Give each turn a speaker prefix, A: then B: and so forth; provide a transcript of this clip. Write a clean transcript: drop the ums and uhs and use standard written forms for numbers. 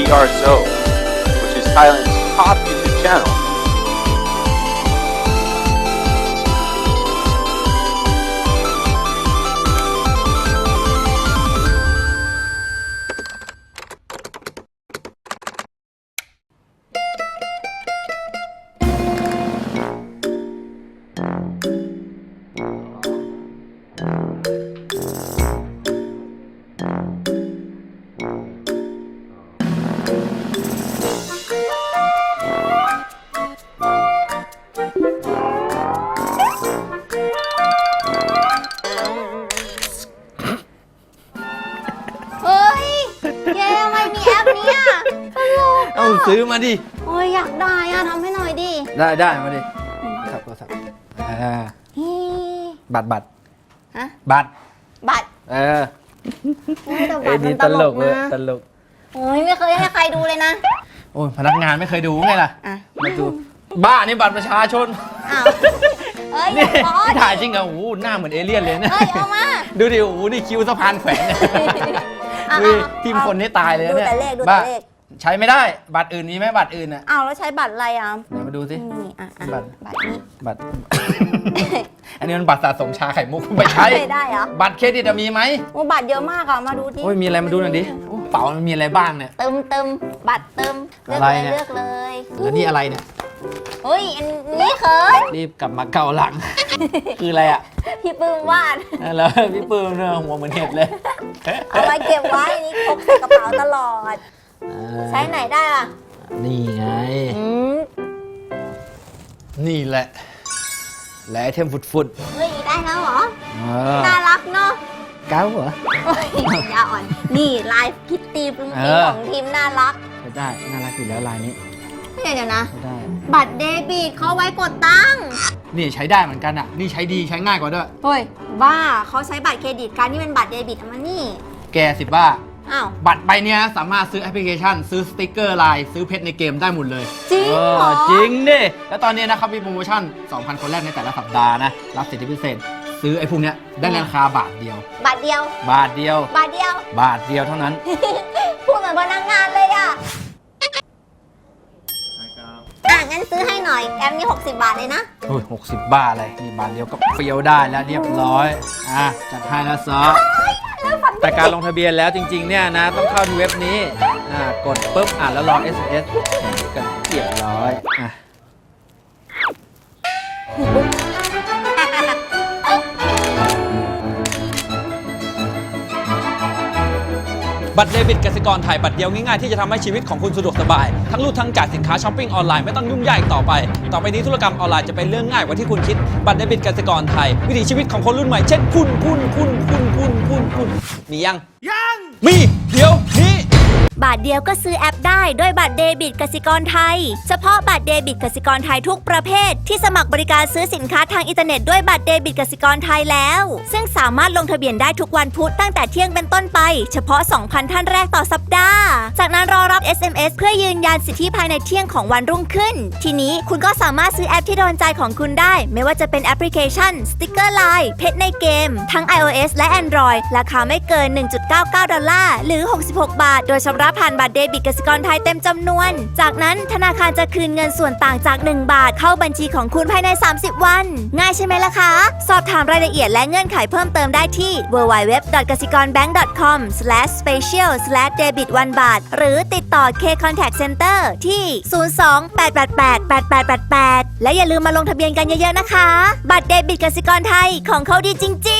A: TRSO, which is Thailand's top YouTube channel.
B: ซื้อมาดิ
C: โอ้ยอยากได้อะทำให้หน่อยดิ
B: ได้มาดิครับก็ครับบัตร
C: ฮะ
B: บัตร
C: นี่
B: ตลกเลยตลก
C: โอ้ยไม่เคยให้ใครดูเลยนะ
B: โอ้ยพนักงานไม่เคยดูไงล่ะมาดูบ้านี่บัตรประชาชน
C: อ้าว
B: นี่ถ่ายจริงเหรอโอ้โหหน้าเหมือนเอเลี่ยนเลยนะ
C: เอามา
B: ดูดิโอ้โหนี่คิวสะพานแขวนทีมคนนี่ตายเลยเนี่ย
C: ดูแต่เลข
B: ใช้ไม่ได้บัตรอื่นมีไหมบัตรอื่นอ่ะ
C: อ้าวแล้วใช้บัตรอะไรอ่ะ
B: เดี๋ยวมาดูสิ
C: บัตรนี้
B: บัตรอันนี้มันบัตรสะสมชาไข่มุกไม่ใช่
C: ได้เหรอ
B: บัตรเครดิตมีไหม
C: โอ้บัตรเยอะมากอ่ะมาดูดิ
B: โอ้ยมีอะไรมาดูหน่อยดิเป๋ามันมีอะไรบ้างเนี่ย
C: เติมบัตรเติมเลือกเลย
B: แล้วนี่อะไรเนี่ย
C: เฮ้ยอันนี้เขิน
B: รีบกลับมาเกาหลังคืออะไรอ่ะ
C: พี่ปื้มวาด
B: แล้วพี่ปื้มเนี่ยหัวเหมือนเห็ดเลย
C: เอาไว้เก็บไว้นี่พกใส่กระเป๋าตลอดใช้ไหนได้ล่ะ
B: นี่ไงนี่แหละและไอเทมฟุด
C: เฮ้ยได้แล้วเหรอน่ารักเนาะ
B: เก้าเหร
C: อยาอ่อนนี่ลายคิตตี้ปึ้งปิ้งของทีมน่ารัก
B: ได้น่ารักอยู่แล้วลายนี้
C: เดี๋ยวนะบัตรเดบิตเขาไว้กดตังค์
B: นี่ใช้ได้เหมือนกันอ่ะนี่ใช้ดีใช้ง่ายกว่าด้วย
C: เฮ้ยบ้าเขาใช้บัตรเครดิตการนี่เป็นบัตรเดบิตมานี่
B: แกสิบ้า
C: บั
B: ตรใบนี้สามารถซื้อแอปพลิเคชันซื้อสติกเกอร์ไลน์ซื้อเพชรในเกมได้หมดเลย
C: จริงเหรอ
B: จริงดิแล้วตอนนี้นะครับมีโปรโมชั่น 2,000 คนแรกในแต่ละสัปดาห์นะรับสิทธิพิเศษซื้อไอ้พวกเนี้ยได้ในราคาบาทเดียว
C: บาทเดียว
B: เท่านั้น
C: พูดเหมือนพนักงานเลยอ่ะงั้นซื้อให้หน่อยแอปนี้60 บาทเลยนะ
B: โอ้ย60 บาทอะไรนี่บาทเดียวก็เฟี้ยวได้แล้วเรียบร้อยจัดให้แล้วซอแต่การลงทะเบียนแล้วจริงๆเนี่ยนะต้องเข้าที่เว็บนี้กดปุ๊บแล้วรอ SMS กันเรียบร้อย
D: บัตรเดบิตกสิกรไทยบัตรเดียวง่ายๆที่จะทำให้ชีวิตของคุณสะดวกสบายทั้งรูดทั้งจ่ายสินค้าช้อปปิ้งออนไลน์ไม่ต้องยุ่งยากอีกต่อไปนี้ธุรกรรมออนไลน์จะเป็นเรื่องง่ายกว่าที่คุณคิดบัตรเดบิตกสิกรไทยวิถีชีวิตของคนรุ่นใหม่เช่นคุณมียังมีเดี๋ยวนี้
E: บาทเดียวก็ซื้อแอปได้ด้วยบัตรเดบิตกสิกรไทยเฉพาะบัตรเดบิตกสิกรไทยทุกประเภทที่สมัครบริการซื้อสินค้าทางอินเทอร์เน็ตด้วยบัตรเดบิตกสิกรไทยแล้วซึ่งสามารถลงทะเบียนได้ทุกวันพุธตั้งแต่เที่ยงเป็นต้นไปเฉพาะ 2,000 ท่านแรกต่อสัปดาห์จากนั้นรอรับ SMS เพื่อยืนยันสิทธิภายในเที่ยงของวันรุ่งขึ้นทีนี้คุณก็สามารถซื้อแอปที่โดนใจของคุณได้ไม่ว่าจะเป็นแอปพลิเคชันสติ๊กเกอร์ไลน์เพชรในเกมทั้ง iOS และ Android ราคาไม่เกิน $1.99 หรือ66 บาทโดยชำระผ่านบัตรเดบิตกสิกรไทยเต็มจำนวนจากนั้นธนาคารจะคืนเงินส่วนต่างจาก1 บาทเข้าบัญชีของคุณภายใน30 วันง่ายใช่ไหมล่ะคะสอบถามรายละเอียดและเงื่อนไขเพิ่มเติมได้ที่ www.kasikornbank.com/special/debit1 บาทหรือติดต่อ K Contact Center ที่ 02-888-8888 และอย่าลืมมาลงทะเบียนกันเยอะๆนะคะบัตรเดบิตกสิกรไทยของเขาดีจริงๆ